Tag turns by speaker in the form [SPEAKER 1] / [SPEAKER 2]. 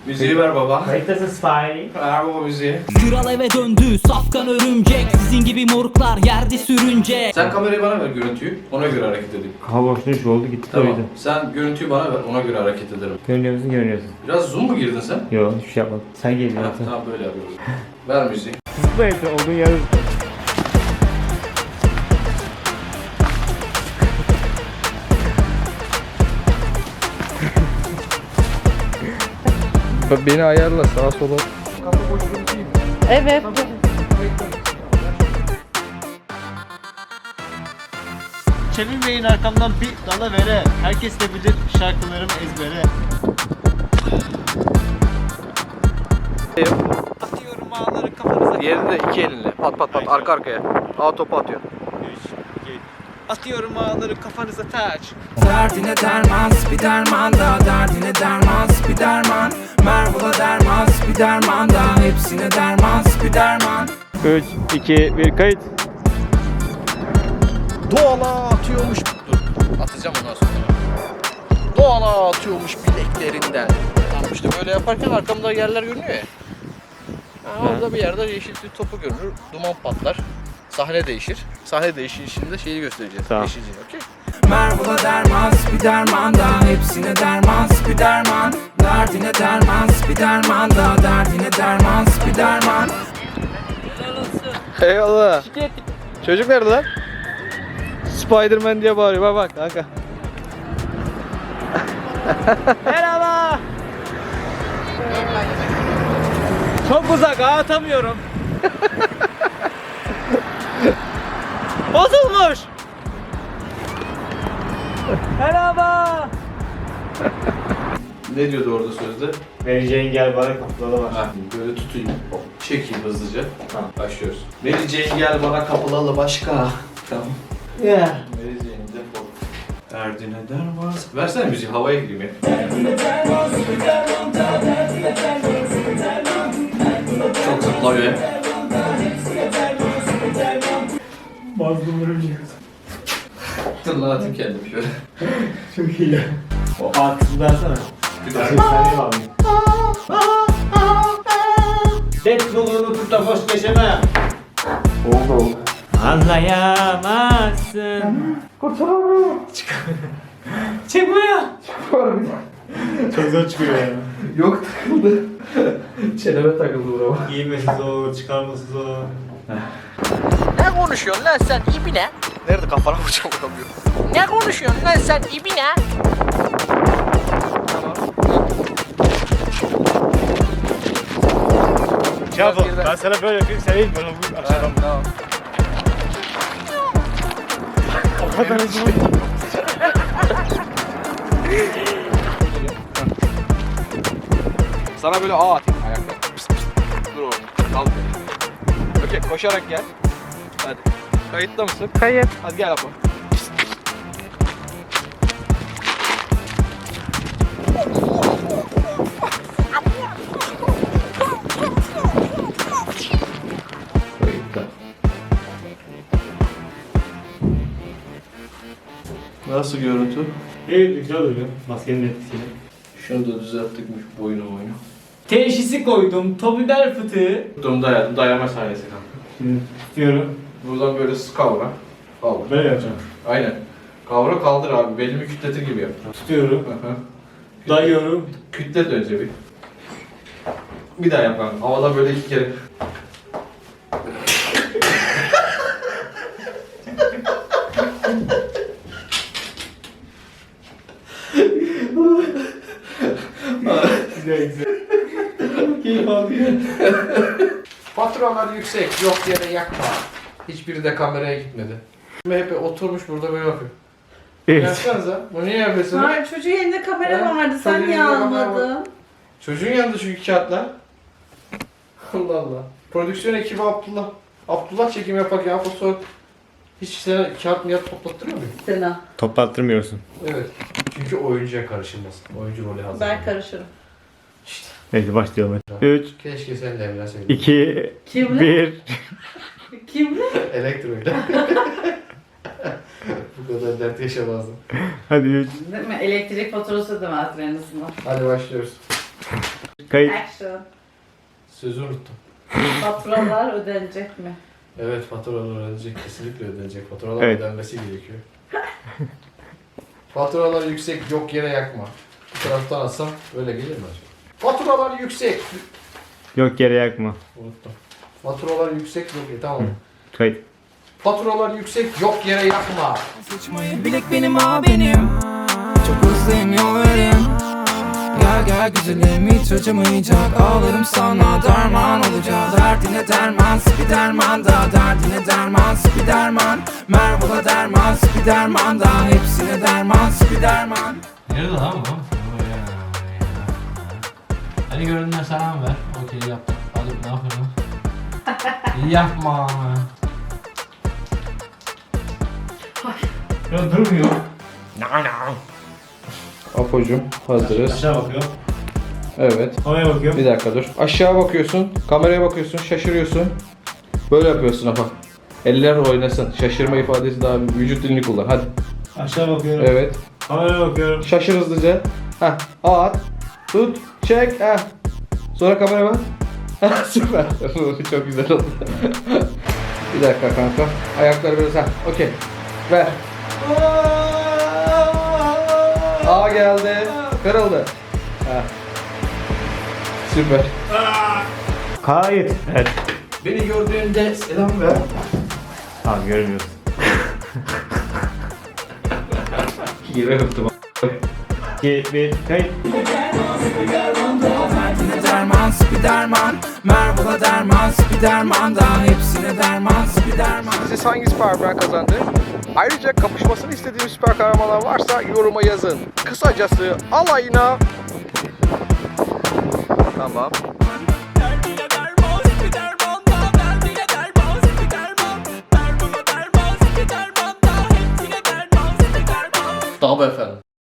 [SPEAKER 1] Müziği ver baba.
[SPEAKER 2] Kayıttasın Spy.
[SPEAKER 1] Ver baba müziği.
[SPEAKER 3] Kral eve döndü safkan örümcek. Sizin gibi moruklar yerde sürünce.
[SPEAKER 1] Sen kamerayı bana ver, görüntüyü. Ona göre hareket edeyim.
[SPEAKER 2] Hava boşluğu oldu gitti.
[SPEAKER 1] Tamam.
[SPEAKER 2] Oydu.
[SPEAKER 1] Sen görüntüyü bana ver, ona göre hareket ederim.
[SPEAKER 2] Görünüyor musun? Görünüyorsun.
[SPEAKER 1] Biraz zoom mu girdin sen?
[SPEAKER 2] Yok hiçbir şey yapmadım. Sen geldin
[SPEAKER 1] Ha,
[SPEAKER 2] zaten.
[SPEAKER 1] tamam böyle yapıyoruz. Ver müziği.
[SPEAKER 2] Zıpla Efe olduğun yere zıpla.
[SPEAKER 4] Beni ayarla sağa sola.
[SPEAKER 5] Evet.
[SPEAKER 6] Çevirmeyin arkamdan bir dala vere. Herkes de bilir şarkılarım ezbere. Atıyorum ağları kafanıza.
[SPEAKER 4] Diğerini de iki elinle. Pat pat pat arka arkaya. A topu atıyor.
[SPEAKER 6] Atıyorum ağları kafanıza taç.
[SPEAKER 7] Derdine derman, bir derman da. Derdine derman, bir derman. Mervola derman, bir derman da. Hepsine derman, bir derman.
[SPEAKER 2] 3, 2, 1 kayıt.
[SPEAKER 4] Doğala atıyormuş. Dur atacağım ondan sonra. Doğala atıyormuş bileklerinden. Tamam işte böyle yaparken arkamda yerler görünüyor ya. Ha, orada bir yerde yeşil bir topu görünür. Duman patlar. Sahne değişir. Sahne değişişinde şeyi göstereceğiz.
[SPEAKER 2] Tamam.
[SPEAKER 4] Yeşilci, okey?
[SPEAKER 7] Mervola derman, bir derman da. Hepsine derman, bir derman. Derdine derman, bir derman da. Derdine derman, bir derman.
[SPEAKER 4] Eyvallah. Çocuk nerede lan? Spiderman diye bağırıyor. Bak bak kanka.
[SPEAKER 6] Merhaba. Çok uzak atamıyorum. Bozulmuş. Merhaba.
[SPEAKER 1] Ne diyordu orada sözde?
[SPEAKER 2] Mary Jane gel bana kapıda var.
[SPEAKER 1] Ha, böyle tutayım. Çekeyim hızlıca. Tamam. Başlıyoruz. Mary Jane gel bana kapılalı başka. Tamam.
[SPEAKER 2] Yeah.
[SPEAKER 1] Mary Jane defol. Derdine derman. Versene müziği, havaya gireyim ya. Çok zıplıyor ya.
[SPEAKER 2] Mazlum örümcek.
[SPEAKER 1] Dur lan atayım kendimi şöyle.
[SPEAKER 2] Çok iyi ya. O artık versene.
[SPEAKER 1] Bir
[SPEAKER 2] Sen
[SPEAKER 1] dakika.
[SPEAKER 2] de abi. Deadpool'u unutup da boş geçeme.
[SPEAKER 1] Oldu.
[SPEAKER 2] Anlayamazsın.
[SPEAKER 7] Kurtaramıyorum.
[SPEAKER 2] Çıkmıyor. Çok zor çıkıyor ya.
[SPEAKER 1] Yok takıldı. Çeneme takıldı burama.
[SPEAKER 2] Giymesi zor, çıkarması zor.
[SPEAKER 8] Ne konuşuyorsun lan sen ibine?
[SPEAKER 4] Nerede kafana vuracağım vuramıyorum.
[SPEAKER 8] Ne konuşuyorsun lan sen ibine?
[SPEAKER 2] Çabuk. Ben sana böyle yapayım, sen ilk bana vur aşağıdan.
[SPEAKER 4] Tamam.
[SPEAKER 2] O kadar hızlı.
[SPEAKER 4] Sana böyle A atayım ayakta. Pıs pıs. Dur orada. Kalk. Okey koşarak gel. Hadi. Kayıtta mısın?
[SPEAKER 5] Kayıt.
[SPEAKER 4] Hadi gel Apo.
[SPEAKER 1] Nasıl görüntü?
[SPEAKER 2] Evet, güzel oluyor. Maskenin etkisiyle.
[SPEAKER 1] Şunu da düzelttikmiş boynu.
[SPEAKER 2] Teşhisi koydum, topidal fıtığı.
[SPEAKER 1] Tuttum dayadım, dayama sahnesi kanka.
[SPEAKER 2] Şimdi tutuyorum.
[SPEAKER 1] Buradan böyle kavra. Kaldır.
[SPEAKER 2] Böyle yapacağım.
[SPEAKER 1] Aynen. Kavra kaldır abi, belimi kütletir gibi yap.
[SPEAKER 2] Tutuyorum.
[SPEAKER 1] Hı hı.
[SPEAKER 2] Dayıyorum.
[SPEAKER 1] Kütlet önce bir. Bir daha yap kanka. Havada böyle 2 kere.
[SPEAKER 2] Güzel güzel. Keyif alıyor.
[SPEAKER 1] Faturalar yüksek, yok yere yakma. Hiçbiri de kameraya gitmedi. Hep oturmuş burada böyle yapıyor.
[SPEAKER 2] Evet.
[SPEAKER 1] Yapsanıza. Bu niye yapıyorsun?
[SPEAKER 5] Hayır, çocuğun elinde kamera
[SPEAKER 1] Ha?
[SPEAKER 5] vardı. Sen
[SPEAKER 1] Çocuğun
[SPEAKER 5] niye
[SPEAKER 1] elinde kamera
[SPEAKER 5] almadın?
[SPEAKER 1] Çocuğun yanında çünkü kağıtlar. Allah Allah. Prodüksiyon ekibi Abdullah. Abdullah çekim yapak ya. Sonra hiç sana kağıt mı toplattırmıyor mu?
[SPEAKER 5] Sena.
[SPEAKER 2] Toplattırmıyorsun.
[SPEAKER 1] Evet. Çünkü oyuncuya karışılmaz. Oyuncu rolü hazır.
[SPEAKER 5] Ben karışırım.
[SPEAKER 2] Neyse başlayalım. 3,
[SPEAKER 1] Keşke sen de evlenseydin.
[SPEAKER 2] 2,
[SPEAKER 5] Kimle?
[SPEAKER 2] 1.
[SPEAKER 5] Kimle?
[SPEAKER 1] Elektroyla. Bu kadar dert yaşamazdım.
[SPEAKER 2] Hadi 3.
[SPEAKER 5] Değil mi? Elektrik faturası ödemezler en azından.
[SPEAKER 1] Hadi başlıyoruz.
[SPEAKER 2] Kayıt.
[SPEAKER 5] Action.
[SPEAKER 1] Sözü unuttum.
[SPEAKER 5] Faturalar ödenecek mi?
[SPEAKER 1] Evet, faturalar ödenecek. Kesinlikle ödenecek. Faturalar
[SPEAKER 2] Evet.
[SPEAKER 1] ödenmesi gerekiyor. Faturalar yüksek, yok yere yakma. Bu taraftan alsam öyle gelir mi acaba? Faturalar yüksek.
[SPEAKER 2] Yok yere yakma.
[SPEAKER 1] Unuttum. Faturalar yüksek, yok tamam.
[SPEAKER 2] Kayıt.
[SPEAKER 1] Faturalar yüksek, yok yere yakma.
[SPEAKER 7] Sıçmayı bilek benim benim. Çok hızlıyım yol verin. Gel gel güzelim hiç acımayacak. Ağlarım sana derman olacak. Derdine derman Spiderman da. Derdine derman Spiderman. Mervola derman Spiderman da. Hepsine derman Spiderman.
[SPEAKER 4] Nerede lan bu? Hadi göründen selam ver. Okey yaptık. Hadi ne yapalım? Yapma.
[SPEAKER 2] Ya durmuyor.
[SPEAKER 1] Apocuğum hazırız.
[SPEAKER 2] Aşağı bakıyor.
[SPEAKER 1] Evet.
[SPEAKER 2] Oraya bakıyor.
[SPEAKER 1] Bir dakika dur. Aşağı bakıyorsun, kameraya bakıyorsun, şaşırıyorsun. Böyle yapıyorsun Apo. Eller oynasın. Şaşırma ifadesi daha vücut dilini kullan. Hadi.
[SPEAKER 2] Aşağı bakıyorum.
[SPEAKER 1] Evet.
[SPEAKER 2] Kameraya bakıyorum.
[SPEAKER 1] Şaşır hızlıca. Heh. At. Tut. Çek. Heh. Sonra kameraya bak. Heh, süper. Çok güzel oldu. Bir dakika kanka. Ayakları biraz. Heh. Okey. Ver. A geldi. Kırıldı. Heh. Süper.
[SPEAKER 2] Kayıt. Evet.
[SPEAKER 1] Beni gördüğünde selam ver.
[SPEAKER 2] Tamam görmüyorsun.
[SPEAKER 1] Yere hıptım.
[SPEAKER 2] 2, 1, kayıt.
[SPEAKER 7] Derdine derman Spiderman. Mervola derman Spiderman da. Hepsine derman Spiderman.
[SPEAKER 4] Siz hangi süper kahraman kazandı? Ayrıca kapışmasını istediğiniz süper kahramanlar varsa yoruma yazın. Kısacası alayına. Tamam.
[SPEAKER 1] Tabii efendim.